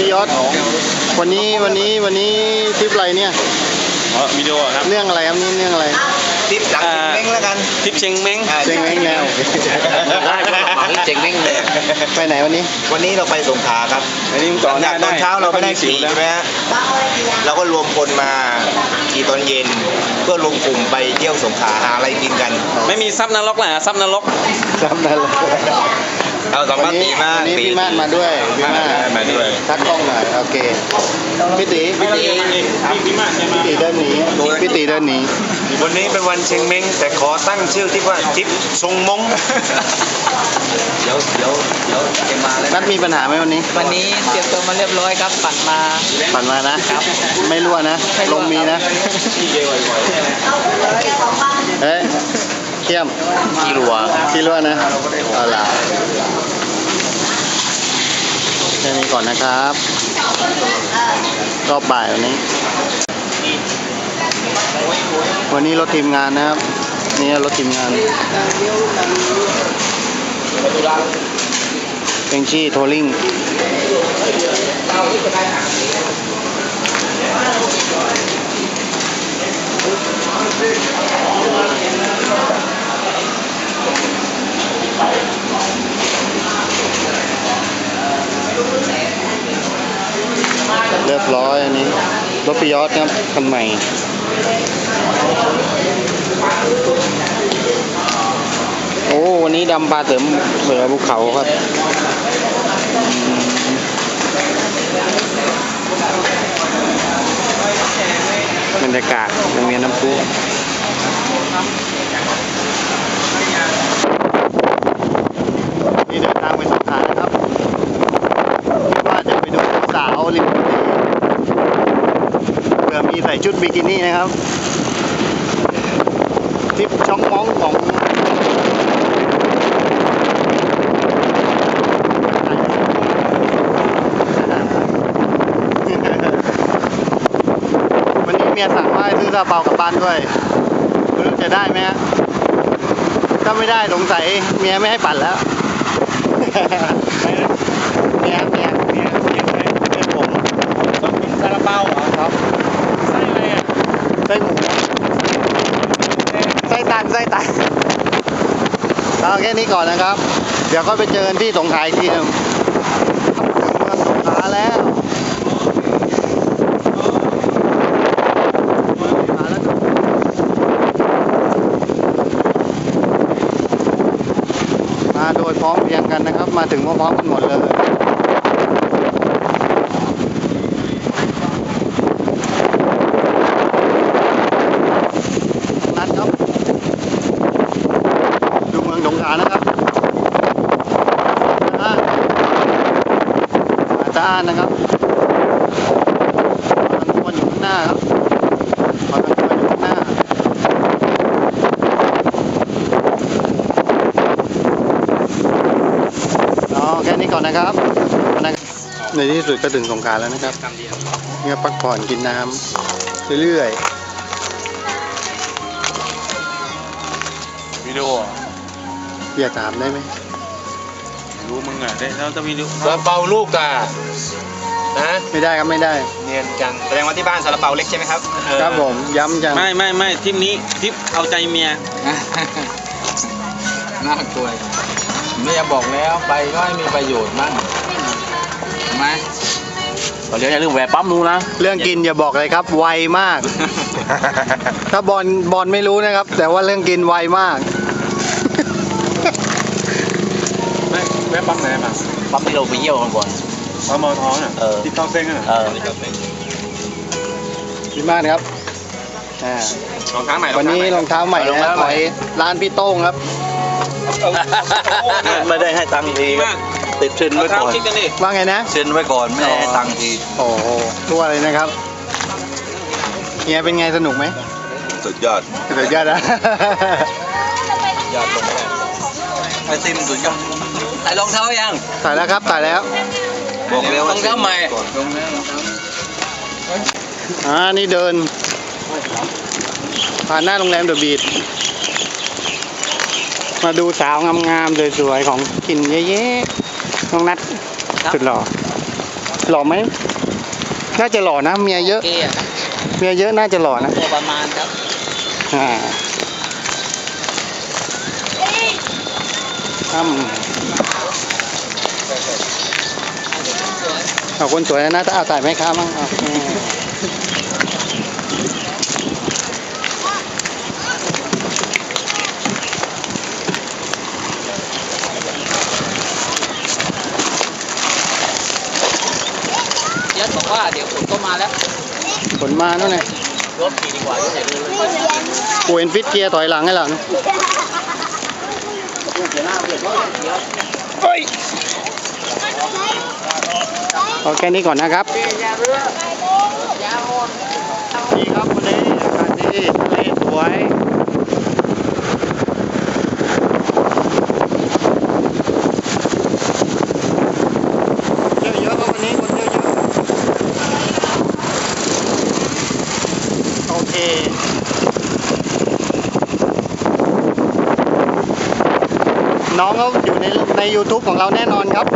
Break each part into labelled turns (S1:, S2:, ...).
S1: พี่ยศวันนี้ทริปอะไรเนี่ย
S2: วิดีโอครับ
S1: เรื่องอะไรครับนี่เรื่องอะไร
S3: ทริปหลังเชงเม้งแล้วกัน
S2: ทริปเชงเม้ง
S1: เชงเม้งแล้ว
S3: ได้ก็หลังเชงเม้งเลย
S1: ไปไหนวันนี้
S3: เราไปสงขลาครับ
S2: วันนี้
S3: ตอนเช้าเราไม่ได้ขี่ใช่ไหมฮะเราก็รวมคนมาขี่ตอนเย็นเพื่อรวมกลุ่มไปเที่ยวสงขลาหาอะไรกินกัน
S2: ไม่มีซับนรกแหละซับนรก
S3: เอาสัมภาษณ์ตีมา
S1: วันนี้พี่มาดมาด้วยพี่มาด
S3: ด้วย
S1: ทักกล้องหน่อยโอเคพี่ตีเดินหนีพี่ตีเดินหนี
S3: วันนี้เป็นวันเชงเม้งแต่ขอตั้งชื่อที่ว่าทริปทรงมงเดี๋ยวจะมาเลย
S1: นัดมีปัญหาไหมวันนี้
S4: เตรียมตัวมาเรียบร้อยครับปั่นมา
S1: นะครับไม่รั่วนะลมมีนะเฮ้ยเข้ม
S3: ขี้รัว
S1: นะเอาล่ะแค่นี้ก่อนนะครับรอบบ่ายวันนี้รถทีมงานนะครับนี่รถทีมงานเป็นชี่โทลิ่งเรียบร้อยอันนี้รถปิยอดครับคันใหม่โอ้วันนี้ดำปลาเสริมเสือภูเขาครับบรรยากาศโรงเรียนน้ำพุนี่เดินทางไปสงขลานะครับว่าจะไปดูสาวริมทะเลเผื่อมีใส่ชุดบิกินี่นะครับทริปช่องม้องของวันนี้เมียสั่งว่าให้ซื้อซาเปากลับบ้านด้วยไม่รู้จะได้ไหมฮะถ้าไม่ได้สงสัยเมียไม่ให้ปั่นแล้วเมียผม
S2: ต้องกินซาลาเปาเหรอ
S1: ครับ
S2: ไส้อะไรอ่ะ
S1: ไส้หมูไส้ตันเอาแค่นี้ก่อนนะครับ เดี๋ยวก็ไปเจอกันที่สงขลาอีกทีนึงถึงเมืองสงขลาแล้วมาโดยพร้อมเพรียงกันนะครับมาถึงพร้อมๆกันหมดเลยนั่นครับดูเมืองสงขลานะครับสะอาดนะครับขอตั้งตัวอยู่ข้างหน้าครับขอตั้งตัวอยู่ข้างหน้าแค่นี้ก่อนนะครับในที่สุดก็ถึงสงขลาแล้วนะครับเนี่ยพักผ่อนกินน้ำเรื่อย
S2: วิดีโอ
S1: ๆอย่าถามได้ไหม
S2: รู้มึงอ่ะได้แล้วจะวิดีโอ
S3: ซาลาเปาลูกอ่ะนะ
S1: ไม่ได้ครับไม่ได้
S3: เนียนจังแสดงว่าที่บ้านซาลาเปาเล็กใช่ไหมครับ
S1: ครับผมย้ำจัง
S2: ไม่ทริปนี้ทริปเอาใจเมีย
S4: น่ากลัวไม่อยากบอกแล้วไปก็ให้มีประโยชน์มั่งไหม
S2: ตอนนี้อย่าลืมแวะปั๊มดูนะ
S1: เรื่องกินอย่าบอกเลยครับไวมากถ้าบอลไม่รู้นะครับ แต่ว่าเรื่องกินไวมาก
S2: แวะปั๊มไหนมา
S4: ปั๊มที่เราไปเยี่ยวกันก่อน
S2: ปั๊มมอท้องอ่ะที่ต้องเส้นอ่ะ
S1: ดีมากครับ
S3: รองเท้าใหม่
S1: วันนี้รองเท้าใหม่นะขอยร้านพี่โต้งครับ
S3: ไม่ได้ให้ตังค์ทีติดเซ็นไว้ก่อน
S1: ว่าไงนะ
S3: เซ็นไว้ก่อนไม่ได้ให้ตังค์ที
S1: โอ้โหตัวเลยนะครับเฮียเป็นไงสนุกไหม
S3: สุดยอด
S1: นะยอดลง
S3: ไอซิมสุดยอด
S4: ใส่รองเท้ายัง
S1: ใส่แล้วครับใส่แล้ว
S3: บอกแล้ว
S4: รองเท้าใหม่
S1: นี่เดินผ่านหน้าโรงแรมเดอะบีช มาดูสาวงามๆสวยๆของกินเยอะๆน้องนัทสุดหล่อหล่อไหมน่าจะหล่อนะเมียเยอะ
S4: เกย์อะ
S1: เมียเยอะน่าจะหล่อนะ
S4: ตัวประมาณครับ
S1: อ่าเอาคนสวยนะถ้าเอาถ่ายแม่ค้ามั่งเอา
S4: ยัดบอกว่าเดี๋ยวฝนก็มาแล้ว
S1: ผลมาแล้วไง
S4: รถขี่ดีกว่าอย่าเลย
S1: กูเห็นฟิตเกียร์ถอยหลังให้หลังเอาแค่นี้ก่อนนะครับดีครับวันนี้อากาศดีทะเลสวยเที่ยวเยอะครับวันนี้คนเที่ยวเยอะโอเคน้องเขาอยู่ใน YouTube ของเราแน่นอนครับ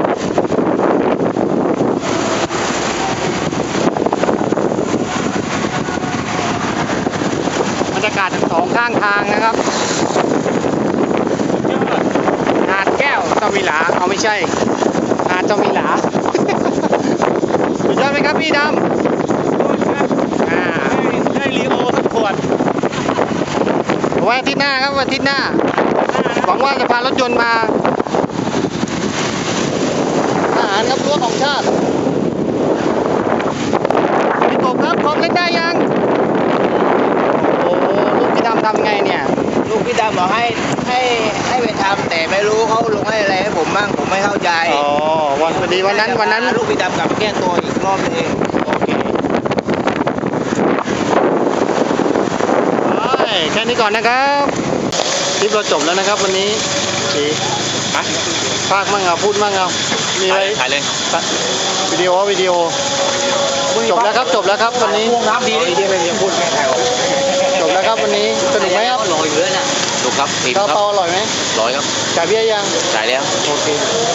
S1: บรรยากาศทั้งสองข้างทางนะครับหาดแก้วเจ้ามีหลาเอาไม่ใช่หาดเจ้ามีหลา สุดยอดไหมครับพี่ดำได้ลีโอสักขวดไว้อาทิตย์หน้าครับวันอาทิตย์หน้าหวังว่าจะพารถยนต์มาอาหารครับรั้วของชาติพี่กบครับของเล่นได้ยังโอ้โหลูกพี่ดำทำไงเนี่ย
S3: ลูกพี่ดำบอกให้ไปทำแต่ไม่รู้เขาลงให้อะไรให้ผมบ้างผมไม่เข้าใจ
S1: อ๋อวันพอดีวันนั้น
S3: ลูกพี่ดำกลับมาแก้ตัวอีกรอบนึง
S1: โอเคแค่นี้ก่อนนะครับคลิปเราจบแล้วนะครับวันนี้สีภาคมั่งเอาพูดมั่งเอามีอะไร
S2: ถ่ายเลย
S1: วิดีโอจบแล้วครับวันนี้
S3: น้ำดีที่ไม่มีพูดแค่ไทย
S1: จบแล้วครับวันนี้สนุกไหมครับ
S4: ลอยอยู่เลยน่ะ
S2: ดูครับอิ่ม
S1: ข้าว
S2: ครับ
S1: เปาอร่อยไหม
S2: ร้อยครับ
S1: จ่ายเบี้ยยัง
S2: จ่ายแล้ว
S1: โอเค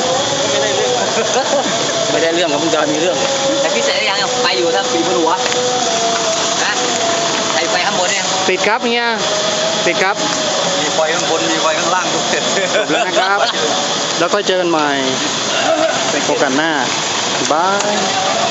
S2: ไม่ได้เรื่องครับมึงจะมีเรื่อง
S4: แต่พี่เสร็จยังไปอยู่ทั้งปีบนหัวนะไปข้างบนเนี่ย
S1: ติดครับเฮียติดครับ
S3: มีไฟข้างบนมีไฟข้างล่างทุกเสร็จ
S1: จบแล้วนะครับ แล้วก็เจอกันใหม่เป็นโอกาสหน้าบาย